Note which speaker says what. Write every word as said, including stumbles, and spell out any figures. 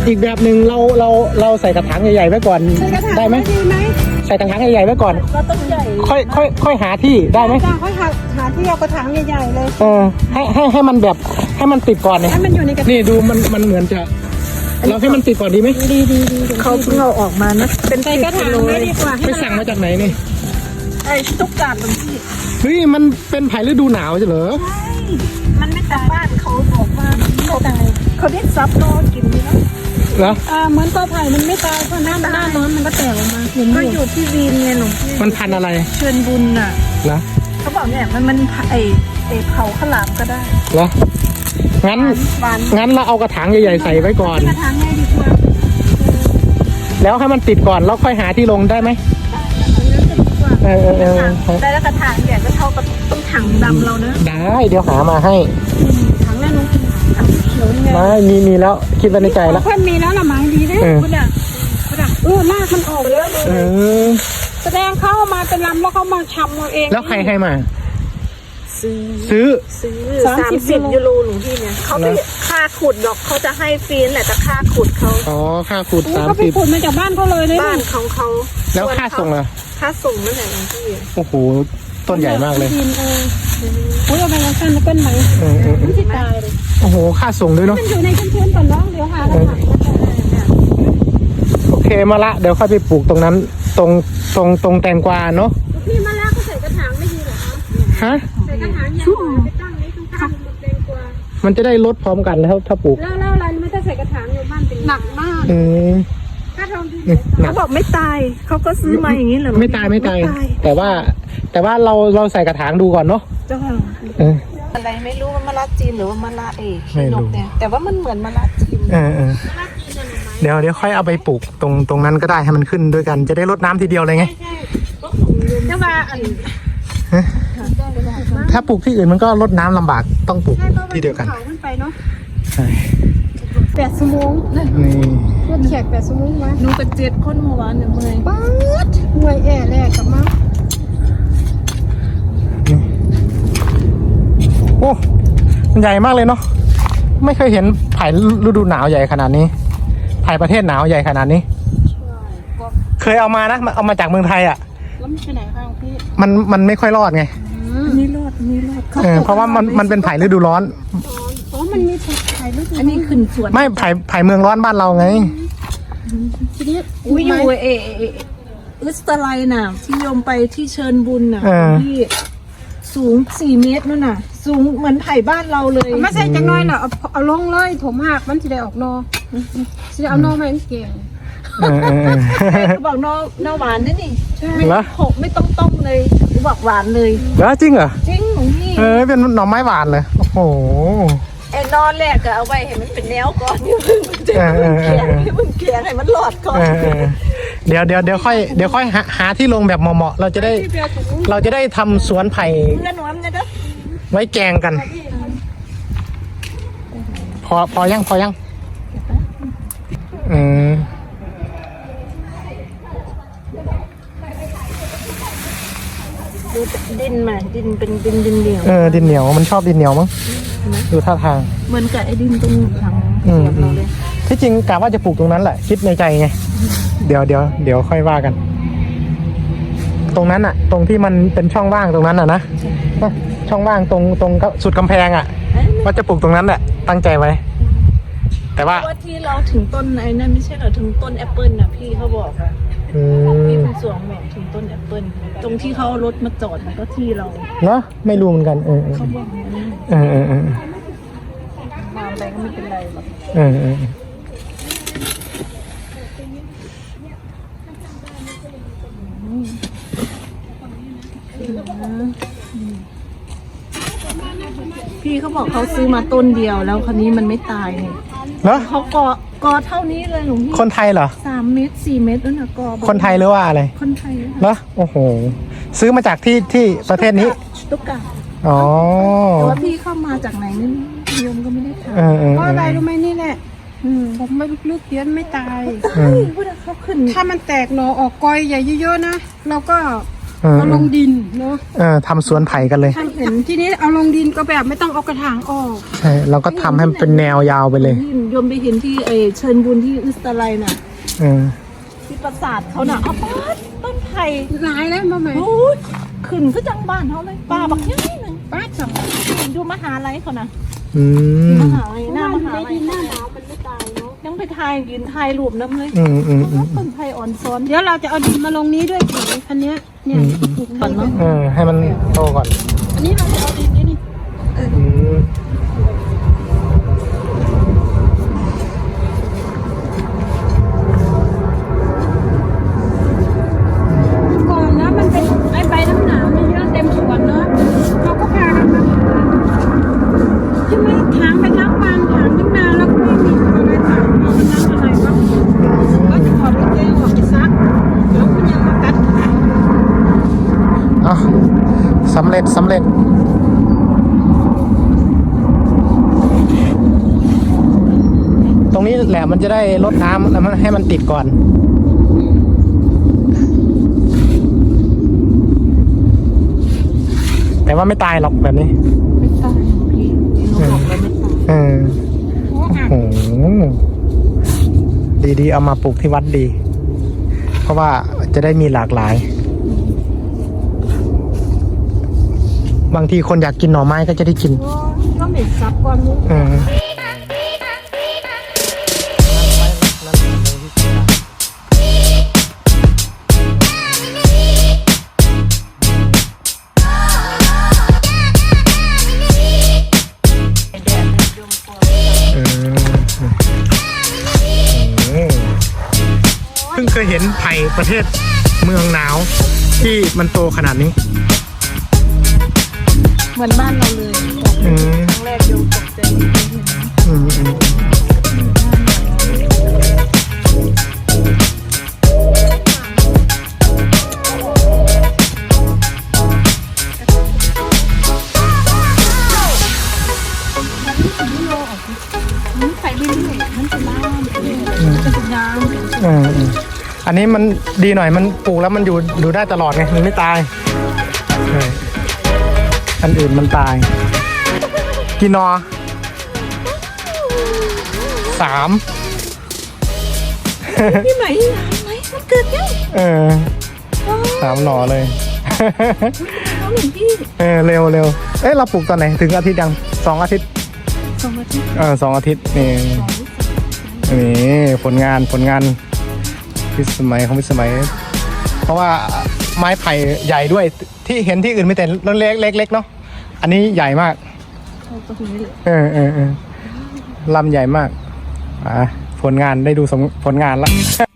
Speaker 1: อีกแบบหนึ่งเราเราเราใส่กระถางใหญ่ๆไว้ก่อนได้ไหมใส่กระถางใหญ่ๆไว้ก่อน
Speaker 2: ก็ต้องใหญ่
Speaker 1: ค่อยค่อยค่อยหาที่ได้ไหม
Speaker 3: ค่อยหาหาที่เอากระถางใหญ่ๆเลย
Speaker 1: เออให้ให้ให้มันแบบให้มันติดก่อนเนี่ย
Speaker 3: ให้มันอยู่ในกระถาง
Speaker 1: นี่ดูมันมันเหมือนจะเราให้มันติดก่อนดีไหม
Speaker 3: ดีดีดี
Speaker 2: เขาเพิ่งเอาออกมานะ
Speaker 3: เป็นใส่กระถางไม่ดีกว่า
Speaker 1: ไปสั่งมาจากไหนนี่
Speaker 2: ไอ้ตุ๊กตาตรงที่
Speaker 1: เฮ้ยมันเป็นไผ่ฤดูหนาวใช่เหรอ
Speaker 2: ใช่มันไม่ตายบ้านเขาบอกว่าเขาตายเขาได้ซับรอกินนี่นะ
Speaker 1: เหรอ
Speaker 3: อ่าเหมือนตัวไผ่มันไม่ตายเพราะหน้าหน้าร้อนมันก็แตกออกมาเห็น
Speaker 2: ก็อยู่ที่วีนไงหลวงพี่
Speaker 1: มันพันอะไร
Speaker 2: เชิญบุญน่ะ
Speaker 1: เหรอ
Speaker 2: เขาบอกเนี่ยมันมันไอไอเผาข้าวหลามก็ได้
Speaker 1: เหรองั้นงั้นเราเอากระถางใหญ่ๆใส่ไว้ก่อน
Speaker 3: กระถางใหญ่ดีกว่า
Speaker 1: แล้วให้มันติดก่อนแล้วค่อยหาที่ลงได้ไหมเออเออ
Speaker 2: ได้แล้วกระถางใหญ่ก็เท่ากับต้องถังดำเราเนอะ
Speaker 1: ได้เดี๋ยวหามาให้
Speaker 3: ถังแรกน้องถังเขียวนี่ไง
Speaker 1: ไม่มีมีแล้วคิดไว้ในใจแล้ว
Speaker 3: เพื่อนมีแล้วละไม้ดีนะคุณอ่ะคุณอ่ะเออลากมันออกแล้ว
Speaker 1: เออ
Speaker 3: แสดงเข้ามาเป็นลำแล้วเขามาชำเอาเอง
Speaker 1: แล้วใครให้มา
Speaker 2: ซื้อ
Speaker 1: ซื้อ
Speaker 2: ซื้อสามสิบยูโรหลวงพี่เนี่ยเขาไม่ค่าขุดดอกเขาจะให้ฟรีแหละแต่ค่าขุดเขา
Speaker 1: อ๋อค่าขุดสามสิบ
Speaker 3: เขาไปขุดมาจากบ้านเขาเลย
Speaker 2: บ้านของเขา
Speaker 1: แล้วค่าส่งล่ะ
Speaker 2: ค่าส่งนั่นแหละหลวงพี่
Speaker 1: โอ้โหต้นใหญ่มากเลย
Speaker 3: โอ้ยเอาไปแล้วกันแล้วกันไหมไม่ใช่ตายเลย
Speaker 1: โอ้โหค่าส่งด้วยเนาะ
Speaker 3: มันอยู่ในชื้นๆก่อนน้องเดี๋ยวหาแล้ว
Speaker 1: โอเคมาละเดี๋ยวค่อยไปปลูกตรงนั้นตรงตรงตรงแตงกวาเนาะ
Speaker 3: พี่มาแล้วเขาใส่กระถางไม่ดีเหรอ
Speaker 1: คะฮะ
Speaker 3: ใส่กระถางใหญ่ไปตั้งไว้ข้างๆแตงกวา
Speaker 1: มันจะได้ลดพร้อมกันแล้วถ้าปลูก
Speaker 3: แล้วแล้วอะไรไม่ต้องใส่กระถางอยู่บ้านเป็นหนักมาก
Speaker 1: อืม
Speaker 2: เขาบอกไม่ตายเขาก็ซื้อมาอย่างนี้เหรอ
Speaker 1: ไม่ตายไม่ตายแต่ว่าแต่ว่าเราเราใส่กระถางดูก่อนเนาะ
Speaker 2: เจ้าอะไรไม่รู้ว่ามะระจีนหรือว่ามะระเอกนกเนี่ยแต่ว่ามันเหมือนมะระจีน
Speaker 1: เออเดี๋ยวเดี๋ยวค่อยเอาไปปลูกตรงตรงนั้นก็ได้ให้มันขึ้นด้วยกันจะได้รดน้ำทีเดียวเลยไง
Speaker 3: แต่ว่าอัน
Speaker 1: ถ้าปลูกที่อื่นมันก็รดน้ำลำบากต้องปลูกที่เดียวกันใช่
Speaker 3: แปดชั่วโมงนี่รถแขกแปดชั่วโมงมา
Speaker 2: หนูกับเจ็ดคนเมื่อวานเนี่ยเมื่อย
Speaker 3: ป๊าดเมื่อยแอ่แรกกลับมา
Speaker 1: โอ้มันใหญ่มากเลยเนาะไม่เคยเห็นไผ่ฤดูหนาวใหญ่ขนาดนี้ไผ่ประเทศหนาวใหญ่ขนาดนี้เคยเอามานะเอามาจากเมืองไทยอ่ะ
Speaker 3: แล้วมันไปไหนคะพี่
Speaker 1: มันมันไม่ค่อยรอดไง
Speaker 2: นี่รอดนี่รอด
Speaker 1: เพราะว่ามันมันเป็นไผ่ฤดูร้อน
Speaker 3: อ๋อมันมีไผ่ฤดู
Speaker 2: อันนี้ขึ้นสวน
Speaker 1: ไม่ไผ่ไผ่เมืองร้อนบ้านเราไง
Speaker 3: ทีนี้
Speaker 2: อุ้ยอยู่เออุสตาไลน่ะที่โยมไปที่เชิญบุญน่ะที่สูงสี่เมตรนู่นน่ะสูงเหมือนไผ่บ้านเราเลย
Speaker 3: ไม่ใช่จังน้อยน่ะเอาเอาลงเลยถมหักมันจะได้ออกนอจะเอานอมาให้เก่ง
Speaker 2: เขาบอกนอนอหวานนี่นี่ไม่หกไม่ต้องต้มเลยเขาบอกหวานเลย
Speaker 1: แล้วจริงเหรอ
Speaker 2: จริงหลวงพี่
Speaker 1: เออเป็นหน่อไม้หวานเลยโอ้โห
Speaker 2: ไอ้นอนแรกก็เอาไว้ให้มันเป็นแนวก่อนอย่าเพิ่งมันจะแข็งให้มันแข็งให้มันหลอดก่อน
Speaker 1: เดี๋ยวเดี๋ยวเดี๋ยวค่อยเดี๋ยวค่อยหาหาที่ลงแบบเหมาะๆเราจะได้เราจะได้ทำสวนไผ่ไว้แกงกันพอพอยังพอยังอืม
Speaker 2: ดูดินมาดินเป็นดินดินเหนียว
Speaker 1: เออดินเหนียวมันชอบดินเหนียวมั้งดูท่าทาง
Speaker 2: เหมือนกับไอ้ดินตรงหลังสวนเราเลย
Speaker 1: ที่จริงกะว่าจะปลูกตรงนั้นแหละคิดในใจไงเดี๋ยวเดี๋ยวเดี๋ยวค่อยว่ากัน ตรงนั้นอะตรงที่มันเป็นช่องว่างตรงนั้นอะนะช่องว่างตรงตรงสุดกำแพงอะว่าจะปลูกตรงนั้นแหละตั้งใจไว้แต่ว่า
Speaker 2: ที่เราถึงต้นไอ้นั่นไม่ใช่เหรอถึงต้นแอปเปิลนะพี่เขาบอกอะพี่ผู้สวงบอกถึงต้นแอปเปิลตรงที่เขารถมาจอดมันก็ที่เรา
Speaker 1: เนาะไม่รู้เหมือนกันเออ
Speaker 2: เขาบอก
Speaker 1: เออเออเออ
Speaker 2: มาอะไรก็ไม่เป็นไรหรอก
Speaker 1: เออเออ
Speaker 2: พี่เขาบอกเขาซื้อมาต้นเดียวแล้วคราวนี้มันไม่ตายเนี่ย
Speaker 1: เหรอ
Speaker 2: เขากอกอเท่านี้เลยหลวงพี่
Speaker 1: คนไทยเหรอ
Speaker 2: สามเมตรสี่เมตรแล้วนะกอ
Speaker 1: คนไทยหรือว่าอะไร
Speaker 2: คนไทย
Speaker 1: เหรอโอ้โหซื้อมาจากที่ที่ประเทศนี้
Speaker 2: ตุ๊กตา
Speaker 1: อ๋อ
Speaker 2: แต่ว่าพี่เข้ามาจากไหนนี่โยมก็ไม่ได้ถาม
Speaker 3: เพราะอะไรรู้ไหมนี่แหละผมไม่ลึกๆเตี้ยนไม่ตาย
Speaker 2: เขาขึ้น
Speaker 3: ถ้ามันแตกหนอออกกอยใหญ่เยอะๆนะเราก็
Speaker 1: เออ
Speaker 3: เอาลงดินเนาะ
Speaker 1: เออทำสวนไผ่กันเลย
Speaker 3: ทำเห็นทีนี้เอาลงดินก็แบบไม่ต้องเอากระถางออก
Speaker 1: ใช่เราก็ทำให้มันเป็นแนวยาวไปเลย
Speaker 2: ที่โยมไปเห็นที่เออเชิญบุญที่อุสตาไลน่ะ
Speaker 1: เออ
Speaker 2: ที่ปราสาทเขาน่ะเอาป้าดต้นไผ่
Speaker 3: หลายแล้วมาไหม
Speaker 2: โอ้ยขึ้นก็จังบ้านเขาเลยป่าบักยังไงหนึ่ง
Speaker 3: ป้าจัง
Speaker 2: ดูมหาลัยเขานะ
Speaker 1: อืม
Speaker 2: มหาลัยหน้ามหา
Speaker 3: ใน
Speaker 2: ลัย
Speaker 3: ดินหน้าหนาวมันไม่ตายเนาะ
Speaker 2: ยังไปถ่ายยืนถ่ายรูปน้ำเลย
Speaker 1: อืมอืมอืม
Speaker 2: ต้นไผ่อ่อนซ้อน
Speaker 3: เดี๋ยวเราจะเอาดินมาลงนี้ด้วยผีอันเนี้ยเนี่ยปลูก
Speaker 2: ก่อนเนาะ
Speaker 1: เออให้มันโตก่อน
Speaker 3: อันนี้เราจะเอาดินนี่นี่
Speaker 1: อืม
Speaker 3: ก่อนนะมันเป็นไอ้ใบน้ำหนาวนี่เยอะเต็มสวนเนาะเราก็พากันมาใช่ไหมถางไปทั้งวันถางทั้งนานแล้วก็ไม่มีอะไรถางเอาไปทำอะไรวะก็จะถอดกางเกงออกไปซักแล้วก็ยังมากัดขา
Speaker 1: เอ่ะสำเร็จสำเร็จ ตรงนี้แหละมันจะได้ลดน้ำแล้วมันให้มันติดก่อน แต่ว่าไม่ตายหรอกแบบนี้
Speaker 2: ไม่ตายพี่พี่เขาบอกแล้วไม่ตาย
Speaker 1: เออ
Speaker 3: โอ้อ่ะ
Speaker 1: โอ้โหดีๆ เอามาปลูกที่วัดดี เพราะว่าจะได้มีหลากหลาย บางทีคนอยากกินหน่อไม้ก็จะได้กิน
Speaker 2: ก็เหม็นซับก่อนมุ้ง
Speaker 1: เออเออเออเพิ่งเคยเห็นไผ่ประเทศเมืองหนาวที่มันโตขนาดนี้
Speaker 2: เหมือนบ้านเราเลยบอก
Speaker 1: อืม
Speaker 2: ครั้งแรกโยมตกใจเห็นไหม
Speaker 1: อืมอืมอืม
Speaker 2: มันไปเรื่อยๆมันจะน้ำมันจะน้ำ
Speaker 1: อืมอืมอันนี้มันดีหน่อยมันปลูกแล้วมันอยู่อยู่ได้ตลอดไงมันไม่ตายใช่อันอื่นมันตายกี่นอสาม
Speaker 2: พี่ไหมไหมมันเกิดยัง
Speaker 1: เออสามหนอเลย
Speaker 2: น้องหนึ่งพี่
Speaker 1: เออเร็วเร็วเอ้ยเราปลูกตอนไหนถึงอาทิตย์ยังสองอาทิตย์
Speaker 2: สองอาทิตย์
Speaker 1: เออสองอาทิตย์นี่
Speaker 2: สอง
Speaker 1: นี่ผลงานผลงานพิสมัยของพิสมัย เพราะว่าไม้ไผ่ใหญ่ด้วยที่เห็นที่อื่นมีแต่เล็กเล็กเล็กเนาะอันนี้ใหญ่มาก
Speaker 2: เอาตรงนี้เลย
Speaker 1: เออเออเออลำใหญ่มากอ่ะผลงานได้ดูสมผลงานละ